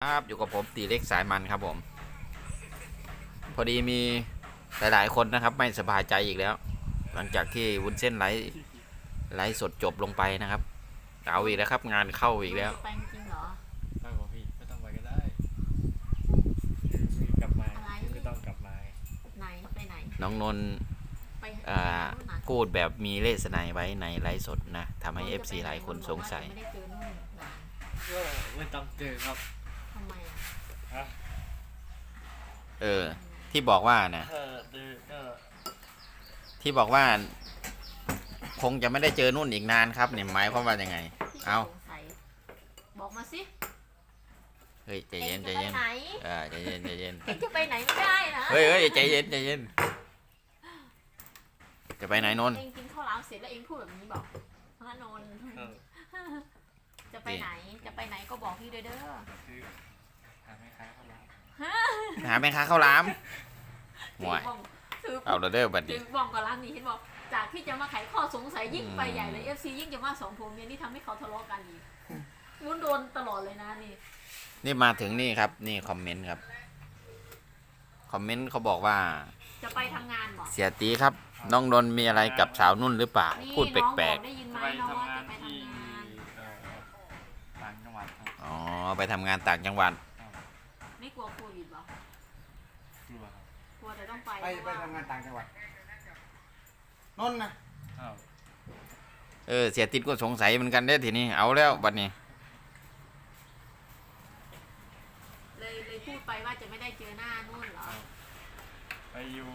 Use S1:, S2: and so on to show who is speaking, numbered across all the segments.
S1: ครับอยู่กับผมตีเล็กสายมันครับผมพอดีมีหลายๆคนนะครับไม่สบายใจอีกแล้ว หลังจากที่วุ้นเส้นไลฟ์สดจบลงไปนะครับเอาอีกแล้วครับงานเข้าอีกแล้ว
S2: ไปจริงเหรอ
S3: ตั้งของพี่ไม่ต้องไปก็ได้กลับมาไม่ต้องกลับมา
S2: ไหนไปไหน
S1: น้องนนท์
S2: ไป
S1: พูดแบบมีเลสไนไว้ในไลฟ์สดนะทำให้ FC หลายคนสงสัย
S2: ไม่ได้เจอนู่นหลาน
S3: ก็ไม่ต้องเจอครับ
S2: ทำไม
S3: ฮะ
S1: ที่บอกว่านะที่บอกว่าคงจะไม่ได้เจอนุ่นอีกนานครับเนี่ยหมายความว่ายังไงเอา
S2: บอกมาสิ
S1: เฮ้ยใจเย็นใจเย็นใจเย็นใจเย็น
S2: จะไปไหนไม่ได้นะ
S1: เฮ้ยใจเย็นใจเย็นจะไปไหนนนท์
S2: เองกินข้าวหลามเสร็จแล้วเองพูดแบบนี้บอกพระนนท์จะไปไหนจะไปไหนก็บอกพี่เด้อ
S3: หาแม่ค้าข้าวหลาม
S1: หาแม่ค้าข้าวหลามห่วยเอาเด้อบัดนี้
S2: ถึงบอกกับร้านนี้เห็นบอกจากที่จะมาไขข้อสงสัยยิ่งไปใหญ่เลย FC ยิ่งจะมาสองผัวเมียนี่ทำให้เขาทะเลาะกันอีกวุ้นโดนตลอดเลยนะ
S1: นี่มาถึงนี่ครับนี่คอมเมนต์ครับคอมเมนต์เขาบอกว่า
S2: จะไปทำงานหรอ
S1: เสียตีครับน้องนนท์มีอะไรกับสาวนุ่นหรือเปล่าพูดแปลก
S2: ๆได้ยินไหมน้องว่าจะไปทำงาน
S3: ต่างจังหวัด
S1: อ๋อไปทำงานต่างจังหวัด
S2: ไม่กลัวโควิดหรอกลัวกลัวแต่ต้องไป
S4: ทำงานต่างจังหวัดนนท์นะ
S1: เสียติดก็สงสัยเหมือนกันได้ทีนี้เอาแล้วบัดนี้
S2: เลยพูดไปว่าจะไม่ได้เจอหน้านุ่นเหรอ
S3: ไปอยู่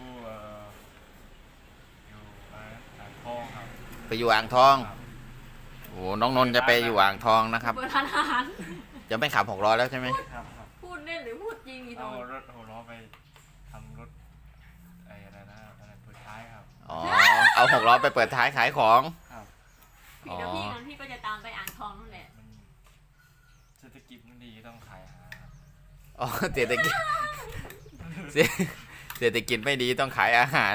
S3: อ่างทองครับ
S1: ไปอยู่อ่างทองโอ้น้องนนท์จะไปอยู่อ่างทองนะครับ
S2: เปิดร้านอาหาร
S1: จะไม่ขับ6 ล้อแล้วใช่ไหม
S2: พูดเล่นหรือพูดจริง
S3: เอารถ6 ล้อไปทำรถอะไรนะเปิดท้ายครับ
S1: อ๋อเอา6 ล้อไปเปิดท้ายขายของ
S2: พี่แล้วพี่งั้นพี่ก็จะตามไปอ่างทองนั่นแหละ
S3: เศรษฐกิจมันดีต้องขายอาหาร
S1: อ๋อเศรษฐกิจไม่ดีต้องขายอาหาร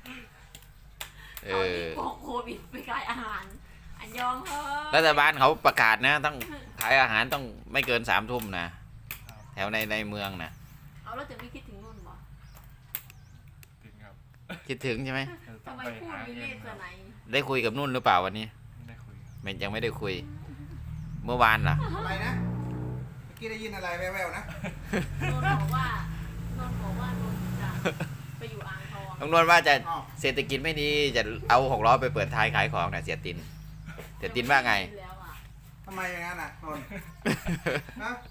S2: โควิดไปขายอาหารอันยอมเถอะ
S1: รัฐบาลเขาประกาศนะต้องขายอาหารต้องไม่เกิน3 ทุ่มนะแถวในเมืองนะ
S2: เอาแล้วจะไม่คิดถึงนุ่นบ่
S3: ถึงครับ
S1: คิดถึงใช่ไหม
S2: ทำไมพูดมีเลสไหน
S1: ได้คุยกับนุ่นหรือเปล่าวันนี้
S3: ได้คุย
S1: ยังไม่ได้คุยเมื่อวานเหรอ
S4: อะไรนะเมื่อกี้ได้ยินอะไรแว่วๆนะ
S2: นนบอกว่านนจะไปอยู่อ่างทอง
S1: น้องนวลว่าจะเศรษฐกิจไม่ดีจะเอา6 ล้อไปเปิดท้ายขายของนะเสียตินว่าไง
S4: ทำไมอย่างนั้นอ่ะนนฮะ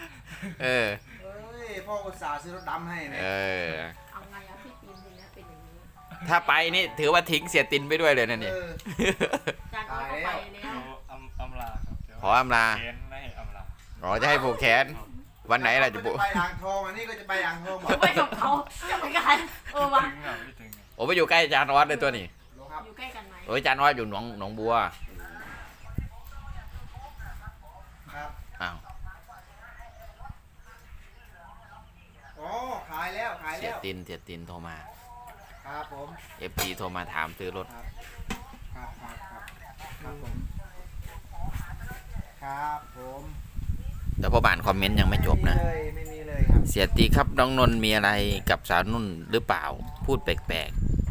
S4: พ่ออุตส่าห์ซื้อรถดำให้เนี่ย
S2: เอาไงอะพี่ปีนทีนี้เป็นอย่างนี้
S1: ถ้าไปนี่ถือว่าทิ้งเสียตินไปด้วยเลยนะนี่
S2: จานก็ไปแล้ว
S3: อำลาครับ
S1: ขออำลา
S3: แขนไม่อำลา
S1: อ๋อจะให้ผูกแขนวันไหนล่ะจะผูก
S4: ไปอ่างทองอันนี้ก็จะไปอ่างทอง
S2: จะไปกับเขาจะไปกันวะ
S1: โอ้ไปอยู่ใกล้จานวัดเลยตัวนี้
S2: อยู่ใกล้กันไหม
S1: โอ้ยจานวัดอยู่หนองบัว
S4: ครับ
S1: อ้าว
S4: อ๋อขายแล้ว
S1: เสียตินโทรมา
S4: ครับผม
S1: FP โทรมาถามซื้อรถ
S4: ครับผมครับผม
S1: แต่พออ่านคอมเมนต์ยังไม่จบนะ
S4: ไม่มีเลยครับ
S1: เสียตีครับน้องนนท์มีอะไรกับสาวนุ่นหรือเปล่าพูดแปลก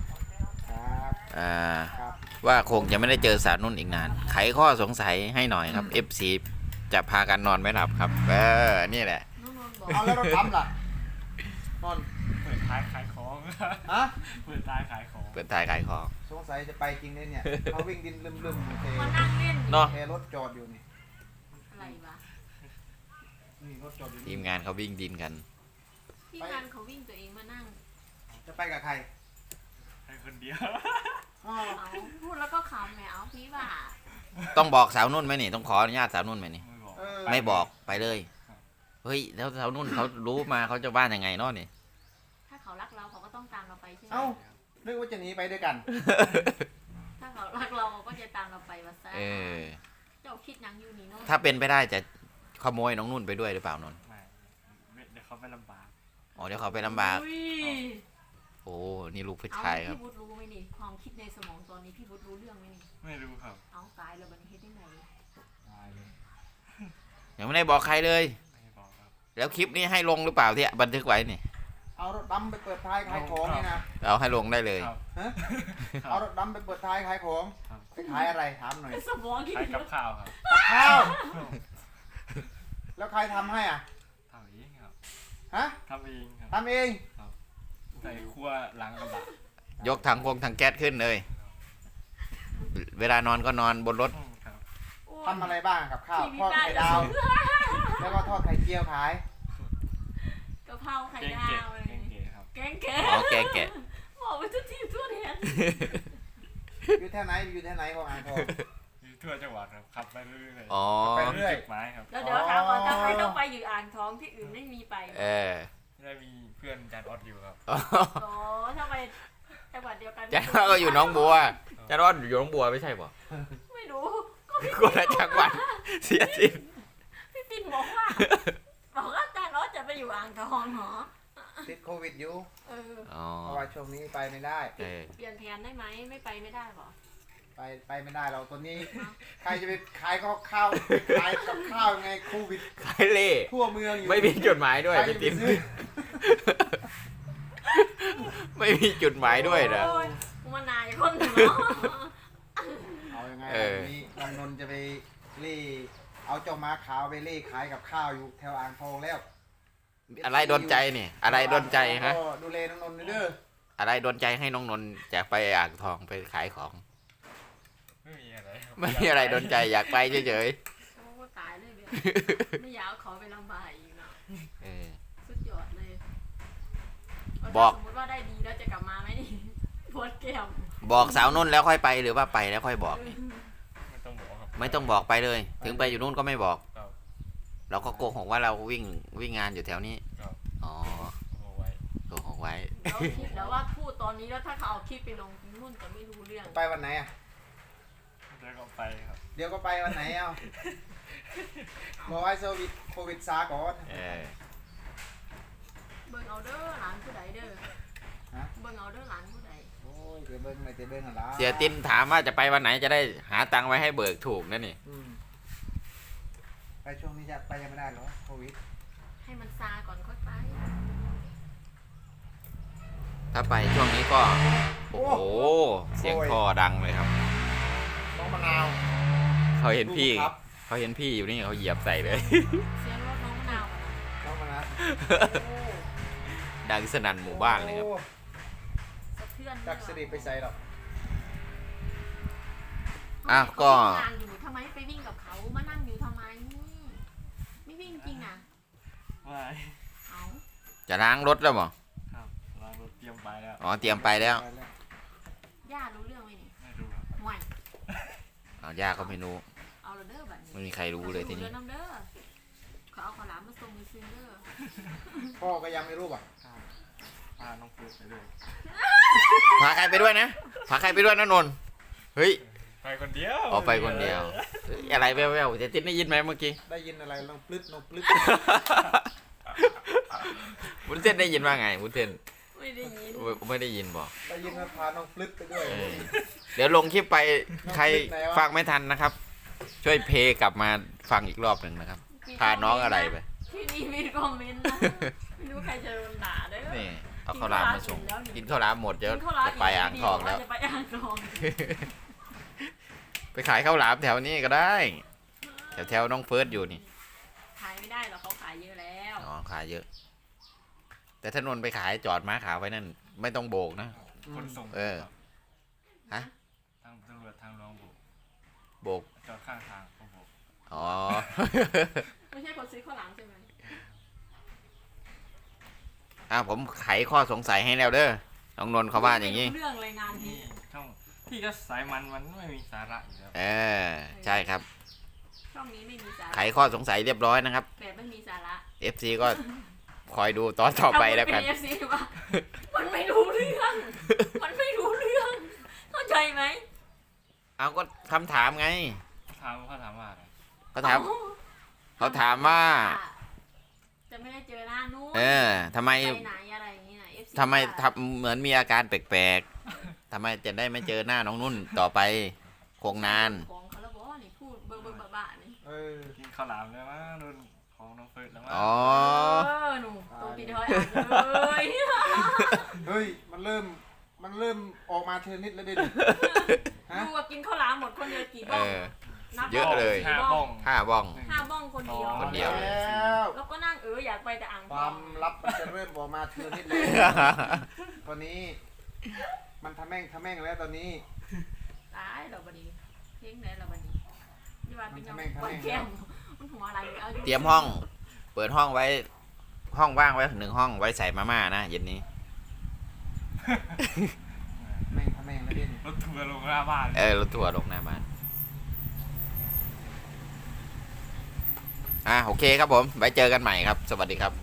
S1: ๆว่าคงจะไม่ได้เจอสาวนุ่นอีกนานไขข้อสงสัยให้หน่อยครับ FC จะพากันนอนไม่หลับครับนี่แหละ
S4: เอาแล้วรถดำล่ะนน
S3: เปิดท้ายขายของ
S4: ฮะ
S3: เปิดท้ายขาย
S1: ของ
S4: สงสัยจะไปจริงเนี่ยเขาวิ่งดินลืม
S2: มานั่งเล่น
S1: เนาะ
S4: รถจอดอยู่นี่
S2: อะไรวะ
S4: นี่รถจอดอยู่
S1: ทีมงานเขาวิ่งดินกัน
S2: ทีมงานเขาวิ่งตัวเองมานั่ง
S4: จะไปกับใคร
S3: ให้คนเดียว
S2: เอาพูดแล้วก็ขำแหมเอาพี่ว่า
S1: ต้องบอกสาวนุ่นไหมนี่ต้องขออนุญาตสาวนุ่นไหมนี่ไม่บอกไปเลยเฮ้ยแล้วสาวนุ่นเขารู้มาเขาจะบ้านยังไงเนาะนี่
S2: ถ้าเขารักเราเขาก็ต้องตามเราไปใช่ไหม
S4: นึกว่าจะหนีไปด้วยกัน
S2: ถ้าเขารักเราก็จะตามเราไปว่าซ่เจ้าคิดยังอยู่นี่เนาะ
S1: ถ้าเป็นไปได้จะขโมยน้องนุ่นไปด้วยหรือเปล่านนท์
S3: เดี๋ยวเขาไปลำบาก
S1: เดี๋ยวเขาไปลำบากโอ้นี่ลูกผู้ชายครับ
S2: พี่วุฒิรู้ไหมนี่ความคิดในสมองตอนนี้พี่วุฒิรู้เรื่องไหมนี่
S3: ไม่รู้ครับ
S2: เอาตายแล้วมันเฮ็ดได้ไง
S3: ตายเลย
S1: ยังไม่ได้บอกใครเลย
S3: ไม่บอกครับ
S1: แล้วคลิปนี้ให้ลงหรือเปล่าที่บันทึกไว้นี่
S4: เอารถดำไปเปิดท้ายขายของนี่นะ
S1: เอาให้ลงได้เลย
S3: ครับ
S4: ฮะเอารถดำไปเปิดท้ายขายของ
S3: ครับ
S4: ไปขายอะไรถามหน่อย
S2: สมองคิด
S3: ขายกับข้าวครับ
S4: กับข้าวแล้วใครทำให้อ่ะ
S3: ทำเองครับ
S4: ฮะ
S3: ทำเองครับ
S4: ทำเอง
S3: ใส่ขั้วหลังกระบะ
S1: ยกถังแก๊สขึ้นเลย เวลานอนก็นอนบนรถ
S3: ครับ
S4: ทำอะไรบ้างกับข้าวทอดไข่ดาว แล้วก็ทอดไข่เจียวขาย
S2: กะเพราไข่
S3: เก่ง
S2: ดา
S3: เก๋
S2: วเลย
S3: เก่งเก๋ครับ
S2: แกงแกะ
S1: อ๋อแกแกะ
S2: บอกไปทุกทีทั่วแดน
S4: อยู่แถวไหนอยู่แถวไหนของอ่างทอง
S3: อยู่ทั่วจังหวัดครับขับไปเรื่อย
S1: อ๋อ
S4: ไปเรื่อย
S3: จุดหมายครับ
S2: แล้วเดี๋ยวถามก่อนทำไมต้องไปอยู่อ่างทองที่อื่นไม่มีไป
S1: เออ
S3: ได้มีเพื่อนจานออดอยู่ครับ
S1: อ๋อ
S2: โอ้ทำไมจังหวัดเดียวกัน
S1: จันว่าก็อยู่หน้องบัวจันว่าอยู่หน้องบัวไม่ใช่ป่ะ
S2: ไม่รู้ก็พี่
S1: คนละจังหวัดเสียสิน
S2: พี่ปิ่นบอกว่าอาจารย์ออสจะไปอยู่อ่างทองเหรอ
S4: ติดโควิดอยู่
S2: เออ
S1: อ๋อ
S4: เพราะว่าช่วงนี้ไปไม่ได้
S1: เออ
S2: เปลี่ยนแผนได้ไหมไม่ไปไม่ได้หรอ
S4: ไปไม่ได้เราตอนนี้ ใครจะไปขายข้าวขายกับข้าวยังไงโควิด
S1: ขายเล่
S4: ทั่วเมืองอยู่
S1: ไม่มีจุดหมายด้วย
S4: ใคร
S1: ไป
S4: จะไป
S1: ติม
S4: ซื้อ
S1: ไม่มีจุดหมายด้วยนะ
S2: โอ้ยมานายคนหนึ่งเนาะ
S4: เอายังไง
S1: เออ
S4: วันนี้น้องนนท์จะไปเล่เอาเจ้าม้าขาวไปเล่ขายกับข้าวอยู่แถวอ่างทองแล้ว
S1: อะไรโดนใจนี่ อะไรโดนใจฮะ
S4: ก็ดูแลน้องนนท์ด้วยเด้อ
S1: อะไรโดนใจให้น้องนนท์อยากไปอ่างทองไปขายของ
S3: ไม่มีอะไรครับ
S1: ไม่มีอะไรโดนใจอยากไปเฉย
S2: โอ้ตายเลยเนี่ยไม่อยากเอาขอไปลำบากอีกเนาะ
S1: ๆเออ
S2: สุดยอดเลย
S1: บอก
S2: สมมติว่าได้ดีแล้วจะกลับมาไหมนี่ปวดแก้ม
S1: บอกสาวนุ่นแล้วค่อยไปหรือว่าไปแล้วค่อยบอก
S3: ไม่ต้องบอกครับ
S1: ไม่ต้องบอกไปเลย ถึงไปอยู่นู่นก็ไม่บอก
S3: ครับ
S1: เราก็โกหกว่าเราวิ่งงานอยู่แถวนี้
S3: ครับ
S1: อ๋อ
S3: เอาไว้
S1: โกหกไว้
S2: เราคิดแล้วว่าพูดตอนนี้แล้วถ้าเขาเอาคลิปไปลงนุ่นจะไม่รู้เรื่อง
S4: ไปวันไหนอ่ะ
S3: แล้วก็ไปครับ
S4: เดี๋ยวก็ไปวันไหนเอ้าบอกให้โควิดซาก่อน
S1: เออ
S2: เบิ่งเอาเด้อหลานผู้ใดเด้อ
S4: ฮะ
S2: เบิ่งเอาเด้อหลานผู้ใด
S4: โอ้ยเดี๋ยวเบิ้งไม่เดี๋ยวเบิ้งอะไร
S1: เสียตินถามว่าจะไปวันไหนจะได้หาตังค์ไว้ให้เบิกถูกนั่นนี่
S4: ไปช่วงนี้จะไปยังไม่ได้เหรอโควิด
S2: ให้มันซาก่อนค่อยไป
S1: ถ้าไปช่วงนี้ก็ โอ้โห เสียงท่อดังเลยครับ
S4: น้องมะนาว
S1: เขาเห็นพี่
S4: ดูครับ
S1: เขาเห็นพี่อยู่นี่เขาเหยียบใส่เลย
S2: เสียงรถน้องมะนาว
S4: น้องมะนาว
S1: ดังสนั่นหมู่บ้านเลยครับ
S4: โอ้
S2: สะเทือน
S4: จักสดิไปใส่หรอก
S1: อ่ะก็
S2: ทางอยู่ทำไมไปวิ่งกับเขามานั่งอยู่ทำไมไม่วิ่งจริงอ่ะ
S3: ไม่
S2: เอา
S1: จะล้างรถแล้วมั้ง
S3: ครับล้างรถเตรียมไปแล้ว
S1: อ๋อเตรียมไปแล้ว
S4: ไปแล้ว
S2: ย่ารู้เรื่องไหมนี่
S3: ไม่รู้ครับ
S2: ห่วย
S1: อ๋อย่าก็ไม่รู้
S2: เอาละเด้อบัดนี้
S1: ไม่มีใครรู้เลยทีนี้
S2: น้ำเด้อเขาเอาข้าวหลามมาส่งมือซื้อเด้อ
S4: พ่อก็ยังไม่รู้ป่ะ
S3: พาน้องเฟิร์สไปเลย
S1: พาใครไปด้วยนะพาใครไปด้วยนะนนท์เฮ้ย
S3: ไปคนเดียว
S1: ออกไปคนเดียวเฮ้ยอะไรแว่วๆจะติดได้ยินไหมเมื่อกี้
S4: ได้ยินอะไรน้องปลึ๊ดน้องปลึ๊ด
S1: วุ้นเส้นได้ยินว่าไงวุ้นเส้น
S2: ไม่ได้ยิน
S1: ไม่ได้ยินบอก
S4: ได้ยินว่าพาน้องปลึ๊ดไปด้วย
S1: เออเดี๋ยวลงคลิปไปใคร
S4: ไหนวะ
S1: ฟังไม่ทันนะครับ ช่วยเพลย์กลับมาฟังอีกรอบหนึ่งนะครับพาน้องอะไรไป
S2: ที่นี่มีคอมเมนต์นะไม่รู้ใครจะโดนด่าเด้อ
S1: นี่เอาข้าวหลามมาส่ง
S2: กิ
S1: กิน
S2: น
S1: ข้าวหลามหมดเดี๋ยว
S2: กินข้าวหลาม
S1: จะไปอ่างทองแล้ว
S2: จะไปอ่างทอง
S1: ไปขายข้าวหลามแถวนี้ก็ได้ แถวน้องเฟิร์สอยู่นี่
S2: ขายไม่ได้หรอกเขาขายเยอะแล้ว
S1: อ๋อขายเยอะ แต่ถ้านนท์ไปขายจอดม้าขาวไว้นั่น ไม่ต้องโบกนะ
S3: คนส่ง
S1: เออ ฮะ
S3: ทางตำรวจทางรองบุก
S1: โบก
S3: จอดข้างทางเขาบอก
S1: อ๋อ
S2: ไม่ใช่คนซื้อข้าวหลามใช่ไหม
S1: ผมไขข้อสงสัยให้แล้วเด้อ น้องนนท์เขาว่าอย่างนี้
S2: นี้เรื่องเลยงานนี้
S3: นี่ช่องที่ก็สายมันไม่มีสาระอยู่แล้ว
S1: เออ ใช่ครับ
S2: ช่องนี้ไม่มีสา
S1: ไข
S2: ระ
S1: ข้อสงสัยเรียบร้อยนะครับ
S2: แบบไม่มีสาระ
S1: FC ก็คอยดูตอนต่อไปแล้วกัน
S2: ถ้าพูดเป็น FC ว่า มันไม่รู้เรื่อง มันไม่รู้เรื่อง เข้าใจไหม
S1: เอาก็คำถามไง
S3: เขาถามว่าอะไร
S1: เขาถาม เขาถามว่า
S2: จะไม่ได้เจอหน้านู้น
S1: เออทำไม
S2: ไปไหนอะไรอย่างนี้นะ FC
S1: ทำไมทำเหมือนมีอาการแปลกๆทำไมจะได้ไม่เจอหน้าน้องนุ่นต่อไปคงนาน
S2: ของเขาแล้วบอกว่านี่พูดเบิ่งบ้าๆนี่
S4: เออ
S3: กินข้าวหลามแล้วมั้งรุ่นของน้องเฟิร์สแล้วมั้ง
S1: อ๋อ
S2: เลย
S4: เฮ้ยมันเริ่มออกมาทีละนิดแล้วดิฮะ
S2: ดูว่ากินข้าวหลามหมดคนเดียวกี่บ้อง นับ
S1: เยอะเลย
S3: ห้าบ้อง
S1: 5 บ้อง
S2: 5 บ้องคนเดียว
S1: คนเดียว
S4: แล้ว
S2: แล้วก็นั่งอยากไปแต่อ่าง
S4: ค
S2: ทอ
S4: วาม
S2: ง
S4: ลับมันจะเริ่มออกมาทีละนิดเลยตอนนี้ มันทำแม่งแล้วตอนนี้
S2: ตายเราบันนี้เพียงไหนเราบันนี้นี่ว่าเป็นยัง
S4: มันทำแม่ง
S2: วันแก้มมันหัวอะไรอา
S1: เตรียมห้อง เปิดห้องไว้ ห้องว่างไว้1 ห้องไว้ใส่มาม่านะเย็นนี้
S4: แม่งทำแม่งแล้วดิ
S3: รถทัวร์ลงหน้าบ้าน
S1: รถทัวร์ลงหน้าบ้านโอเคครับผม ไว้เจอกันใหม่ครับ สวัสดีครับ